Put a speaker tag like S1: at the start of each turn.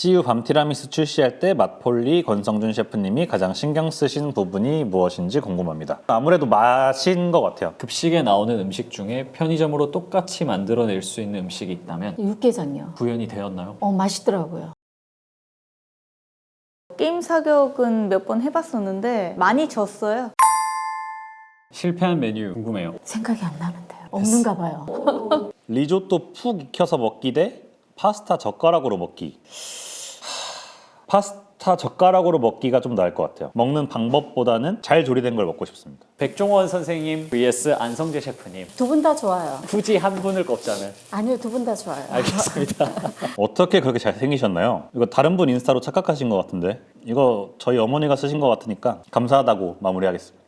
S1: CU 밤 티라미수 출시할 때 맛폴리 권성준 셰프님이 가장 신경 쓰신 부분이 무엇인지 궁금합니다. 아무래도 맛인 것 같아요.
S2: 급식에 나오는 음식 중에 편의점으로 똑같이 만들어낼 수 있는 음식이 있다면
S3: 육개장이요.
S2: 구현이 되었나요?
S3: 맛있더라고요.
S4: 게임 사격은 몇 번 해봤었는데 많이 졌어요.
S2: 실패한 메뉴 궁금해요.
S3: 생각이 안 나는데요. 없는가 봐요.
S1: 리조또 푹 익혀서 먹기 대 파스타 젓가락으로 먹기. 파스타 젓가락으로 먹기가 좀 나을 것 같아요. 먹는 방법보다는 잘 조리된 걸 먹고 싶습니다.
S2: 백종원 선생님 vs 안성재 셰프님.
S3: 두 분 다 좋아요.
S2: 굳이 한 분을 꼽자면.
S3: 아니요, 두 분 다 좋아요.
S2: 알겠습니다.
S1: 어떻게 그렇게 잘생기셨나요? 이거 다른 분 인스타로 착각하신 것 같은데 이거 저희 어머니가 쓰신 것 같으니까 감사하다고 마무리하겠습니다.